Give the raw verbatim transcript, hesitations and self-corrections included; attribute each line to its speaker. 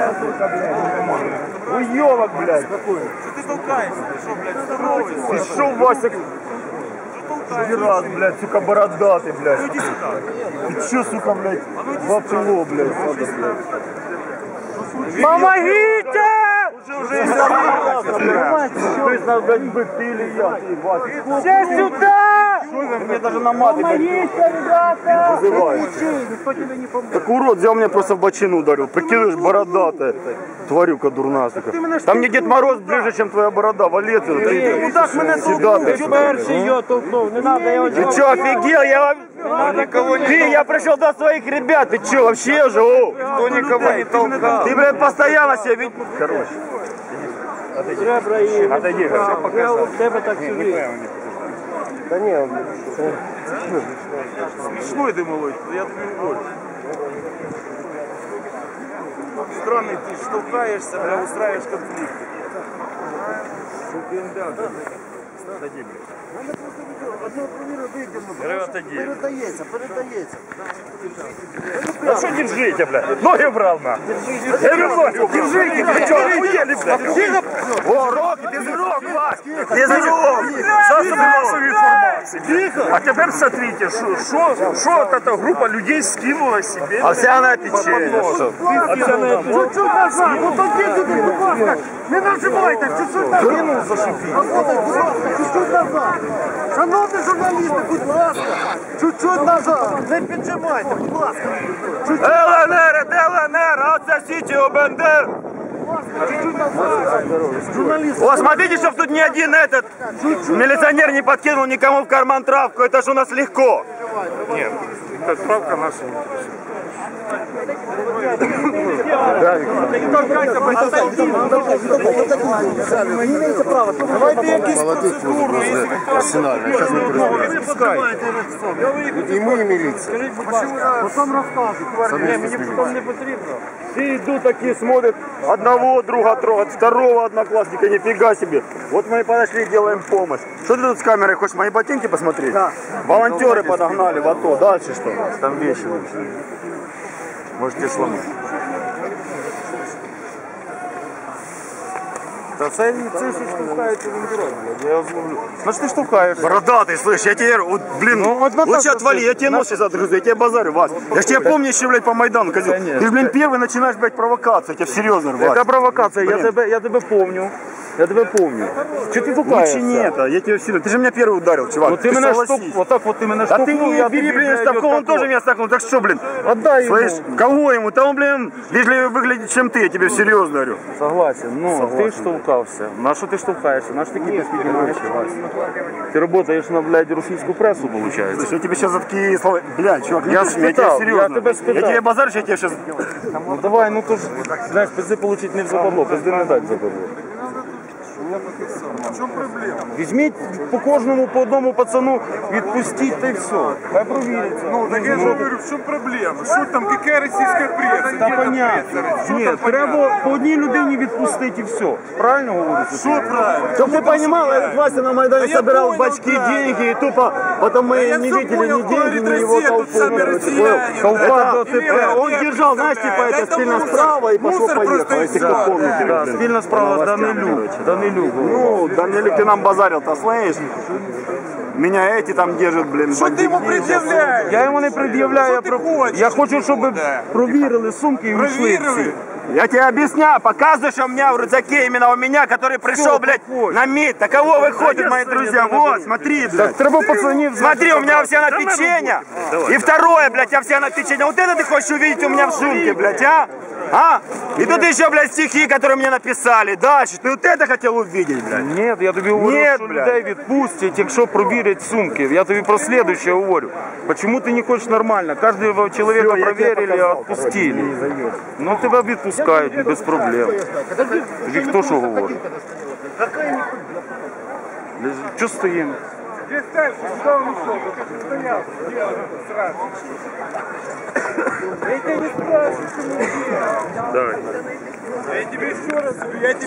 Speaker 1: Уёбок, блядь.
Speaker 2: Что ты толкаешься? Ты что, блядь, здоровый?
Speaker 1: Ты шо, Вася? Раз, блядь, сука, бородатый, блядь.
Speaker 2: Ну иди сюда.
Speaker 1: Ты чё, сука, блядь, вопло, блядь, надо, блядь.
Speaker 3: Помогите!
Speaker 1: Уже, уже из-за То есть, надо, блядь, быть, ты или я, ты, Вася.
Speaker 3: Все сюда!
Speaker 1: Мне даже на маты, блядь,
Speaker 3: ребята!
Speaker 1: вызывает.
Speaker 3: Никто тебе не поможет.
Speaker 1: Так урод взял меня просто в бочину ударил. Прикидываешь, бородатая. Тварюка дурная, сука. Там мне Дед Мороз ближе, чем твоя борода. Валет, ты
Speaker 3: Мудак мене толкнув, ти перший його толкнув. Не надо, я його
Speaker 1: Ты чё, офигел? Я вам... Ты, я пришел до своих ребят. Ты чё, вообще же? О?
Speaker 2: Кто никого не толкал?
Speaker 1: Ты, блядь, постоянно себя видишь. Короче.
Speaker 3: Ребра і...
Speaker 1: Отойди,
Speaker 3: Я у тебе так сюди.
Speaker 1: Да не, он...
Speaker 2: Смешной ты, малой, я тебе уволю. Странный, ты ж толкаешься, бля, устраиваешь конфликт. Отойди, блядь.
Speaker 1: Передається, передається. А что держите, блядь? Ноги брал, на. Я говорю, ноги, держите, вы что, охуели, блядь? О, руки, без рук, Вась, без рук. Засобирался информацию. А теперь смотрите, что вот эта группа людей скинула себе. Овсяное печенье. Овсяное печенье.
Speaker 3: Чуть-чуть назад, вот он где туди, будь ласка. Не нажимайте, чуть-чуть назад. Чуть-чуть назад. Шановні журналісти, будь ласка, чуть-чуть назад. Не піджимайте, будь ласка.
Speaker 1: ЛНР, ЛНР, отсосите у Бендер.
Speaker 3: Чуть-чуть назад. Журналісти.
Speaker 1: О, смотрите, чтобы тут ни один этот милиционер не подкинул никому в карман травку. Это же у нас легко.
Speaker 2: Нет, это травка наша.
Speaker 3: Не имеете права. Давайте якісь процедуру.
Speaker 1: И мы, и милиция.
Speaker 3: Потім розказуй. Мені потім не потрібно.
Speaker 1: Все идут такие, смотрят, одного друга трогают, второго одноклассника, нифига себе. Вот мы и подошли, делаем помощь. Что ты тут с камерой, хочешь мои ботинки посмотреть? Да. Волонтеры подогнали в АТО, дальше что? Там вещи лучше. Можете сломать.
Speaker 2: Да це це ж штовхається вендером, блядь, я його зловлю. Значить ти штовхаєш.
Speaker 1: Бородатый, слышь, я тебе, вот, блин,
Speaker 2: Ну, вот на
Speaker 1: лучше
Speaker 2: так
Speaker 1: отвали,
Speaker 2: вот,
Speaker 1: я тебе
Speaker 2: на-
Speaker 1: нос сейчас отгрызу, я тебе базарю, Вась. Я ж тебя помню еще, блядь, по Майдану, козел. Ты ж, блин, первый начинаешь, блядь, провокацию, я тебе серьезно, Вась.
Speaker 2: Яка провокація? Я
Speaker 1: Блін.
Speaker 2: тебе, я тебе помню. Я тебе помню. Чи ти
Speaker 1: Лучше
Speaker 2: толкаєшся?
Speaker 1: не это, я тебя серьезно. Ты же меня первый ударил, чувак.
Speaker 2: Ну ти мене
Speaker 1: согласись.
Speaker 2: штовхнув, отак от ти мене
Speaker 1: Да ты
Speaker 2: штовхнув,
Speaker 1: не
Speaker 2: я
Speaker 1: бери,
Speaker 2: тобі,
Speaker 1: блин,
Speaker 2: блядь,
Speaker 1: стакнул, он
Speaker 2: отак
Speaker 1: тоже
Speaker 2: от.
Speaker 1: меня стакнул. Так что, блин,
Speaker 2: Отдай йому.
Speaker 1: слышь, кого ему? Там, блин, вежливее выглядит, чем ты, я тебе серьезно говорю.
Speaker 2: Согласен, ну ти штовхався. На що ти штовхаєшся? На що ти кипиш піднімаєш? Ти працюєш на, блядь, російську пресу, виходить.
Speaker 1: Слышь, я тебе сейчас за такие слова... Блядь, чувак, не
Speaker 2: Я
Speaker 1: пиши, я
Speaker 2: спитал,
Speaker 1: тебе серьезно.
Speaker 2: я тебе спитал.
Speaker 1: Я тебе базарю, я тебе сейчас...
Speaker 2: Ну давай, ну то ж, знаєш, пизди получить не в западло, пизди не дать в западло.
Speaker 4: В чому проблема?
Speaker 2: Візьміть по кожному, по одному пацану, відпустіть та й все. Хай провіриться.
Speaker 4: Ну, так я же говорю, в чому проблема? Що там, яка російська преса?
Speaker 2: Та понятно. Ні, треба по одній людині відпустити і все. Правильно говорю?
Speaker 4: Що правильно?
Speaker 1: Чтоб ты понимал, этот Вася на Майдане
Speaker 4: Да я
Speaker 1: собирал
Speaker 4: понял,
Speaker 1: бачки
Speaker 4: да.
Speaker 1: деньги, и тупо потом мы
Speaker 4: я
Speaker 1: не
Speaker 4: всё
Speaker 1: видели
Speaker 4: понял,
Speaker 1: ни
Speaker 4: кто
Speaker 1: деньги,
Speaker 4: говорит,
Speaker 1: ни его
Speaker 4: Россия, тут
Speaker 1: толпу.
Speaker 4: сами
Speaker 1: короче,
Speaker 4: россияне,
Speaker 1: понял?
Speaker 2: да.
Speaker 1: Это-
Speaker 2: Ты
Speaker 1: э, Он
Speaker 4: прав,
Speaker 1: держал,
Speaker 4: ты
Speaker 1: знаешь,
Speaker 4: прав.
Speaker 1: типа это
Speaker 4: Это
Speaker 1: спильно
Speaker 4: мусор.
Speaker 1: справа и
Speaker 4: Мусор
Speaker 1: пошло-поехало,
Speaker 4: просто
Speaker 1: если
Speaker 4: и
Speaker 1: кто
Speaker 4: всё.
Speaker 1: помните.
Speaker 2: Да,
Speaker 1: блин.
Speaker 2: спільна справа
Speaker 1: По
Speaker 2: Данилюк.
Speaker 1: новостям,
Speaker 2: Данилюк.
Speaker 1: Ну, Данилюк, ты нам базарил-то, слышишь? Меня эти там держат, блин,
Speaker 4: Що ти йому пред'являєш?
Speaker 2: Я йому не пред'являю, я,
Speaker 4: Що ти
Speaker 2: про...
Speaker 4: хочеш?
Speaker 2: я хочу, щоб
Speaker 4: Да.
Speaker 2: провірили сумки і вийшли
Speaker 4: Провірили?
Speaker 2: всі.
Speaker 1: Я тебе объясняю, показываю, что у меня в рюкзаке именно у меня, который пришел, блядь,
Speaker 2: такое?
Speaker 1: на мид. Таково выходит, мои друзья. Вот, смотри, блядь.
Speaker 2: Треба пацанів...
Speaker 1: Смотри, у меня овсяное печенье. И второе, блядь, овсяное печенье. Вот это ты хочешь увидеть у меня в сумке, блядь, а? А? И тут еще, блядь, стихи, которые мне написали. Дальше. Ты вот это хотел увидеть, блядь?
Speaker 2: Ні, я тобі говорю,
Speaker 1: Ні,
Speaker 2: що
Speaker 1: бля.
Speaker 2: людей відпустять, якщо провірять сумки. Я тобі про слідуще говорю. Почему ти не хочеш нормально? Кожного чоловіка
Speaker 1: Всё, я тебе
Speaker 2: проверили,
Speaker 1: показал,
Speaker 2: отпустили. Ну тебе відпускають без проблем. Тобі хто що говорить? Чого стоїмо?
Speaker 4: Здесь дальше, куда он ушел? Ты стоял, делал сразу. Я тебя не спрашиваю, почему.
Speaker 2: Давай.
Speaker 4: Я тебе еще раз говорю, я тебе